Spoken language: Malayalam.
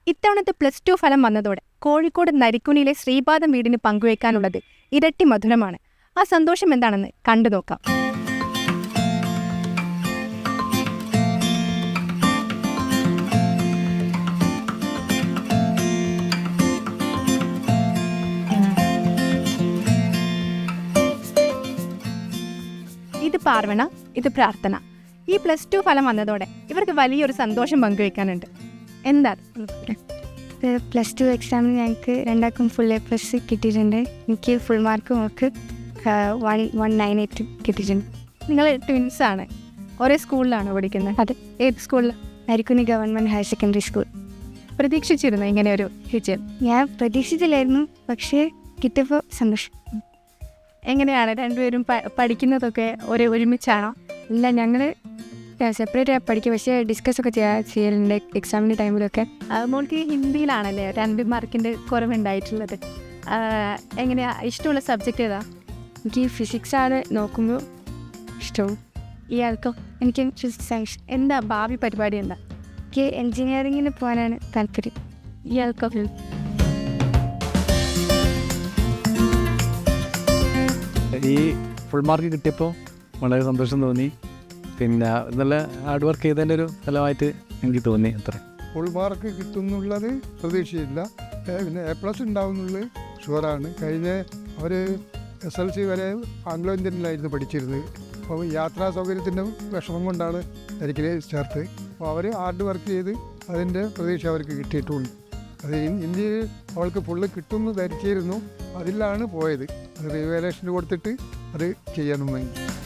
ഇത്തവണത്തെ +2 ഫലം വന്നതോടെ കോഴിക്കോട് നരിക്കുനിയിലെ ശ്രീപാദം വീടിന് പങ്കുവയ്ക്കാനുള്ളത് ഇരട്ടി മധുരമാണ്. ആ സന്തോഷം എന്താണെന്ന് കണ്ടു നോക്കാം. ഇത് പാർവണ, ഇത് പ്രാർത്ഥന. ഈ +2 ഫലം വന്നതോടെ ഇവർക്ക് വലിയൊരു സന്തോഷം പങ്കുവയ്ക്കാനുണ്ട്. എന്താ? +2 എക്സാമിന് ഞങ്ങൾക്ക് രണ്ടാൾക്കും ഫുൾ A+ കിട്ടിയിട്ടുണ്ട്. എനിക്ക് ഫുൾ മാർക്കും അവർക്ക് 198 കിട്ടിയിട്ടുണ്ട്. നിങ്ങൾ ട്വിൻസാണ്, ഒരേ സ്കൂളിലാണോ പഠിക്കുന്നത്? അതെ. ഏത് സ്കൂളിൽ? Narikkuni government higher secondary school. പ്രതീക്ഷിച്ചിരുന്നു ഇങ്ങനെ ഒരു വിജയം? ഞാൻ പ്രതീക്ഷിച്ചില്ലായിരുന്നു, പക്ഷേ കിട്ടിയപ്പോൾ സന്തോഷം. എങ്ങനെയാണ് രണ്ടുപേരും പഠിക്കുന്നതൊക്കെ ഒരുമിച്ചാണോ? ഇല്ല, ഞങ്ങൾ സെപ്പറേറ്റ് പഠിക്കുക, പക്ഷേ ഡിസ്കസൊക്കെ ചെയ്യലുണ്ട് എക്സാമിൻ്റെ ടൈമിലൊക്കെ. മോൾക്ക് ഹിന്ദിയിലാണല്ലേ 2 മാർക്കിൻ്റെ കുറവുണ്ടായിട്ടുള്ളത്. എങ്ങനെയാ ഇഷ്ടമുള്ള സബ്ജക്റ്റ് ഏതാ? എനിക്ക് ഫിസിക്സാണ് നോക്കുമ്പോൾ ഇഷ്ടവും. ഇയാൾക്കോ? എനിക്ക് ഫിസിക്സ്. എന്താ ഭാവി പരിപാടി എന്താ? എനിക്ക് എൻജിനീയറിങ്ങിന് പോകാനാണ് താല്പര്യം. ഇയാൾക്കോ? ഈ ഫുൾ മാർക്ക് കിട്ടിയപ്പോൾ വളരെ സന്തോഷം തോന്നി. പിന്നെ നല്ല ഹാർഡ് വർക്ക് ചെയ്തതിൻ്റെ ഒരു ഫലമായിട്ട് എനിക്ക് തോന്നി. അത്ര ഫുൾ മാർക്ക് കിട്ടുന്നുള്ളത് പ്രതീക്ഷയില്ല. പിന്നെ A+ ഉണ്ടാവുന്നുള്ളത് ഷുവറാണ്. കഴിഞ്ഞ അവർ SLC വരെ ആംഗ്ലോ ഇന്ത്യനിലായിരുന്നു പഠിച്ചിരുന്നത്. അപ്പോൾ യാത്രാ സൗകര്യത്തിൻ്റെ വിഷമം കൊണ്ടാണ് നരിക്കിൽ ചേർത്ത്. അപ്പോൾ അവർ ഹാർഡ് വർക്ക് ചെയ്ത് അതിൻ്റെ പ്രതീക്ഷ അവർക്ക് കിട്ടിയിട്ടുണ്ട്. അത് ഇന്ത്യയിൽ അവൾക്ക് ഫുള്ള് കിട്ടുമെന്ന് ധരിച്ചിരുന്നു. അതിലാണ് പോയത്. അത് റിവാലുവേഷന് കൊടുത്തിട്ട് അത് ചെയ്യാനും വേണ്ടി.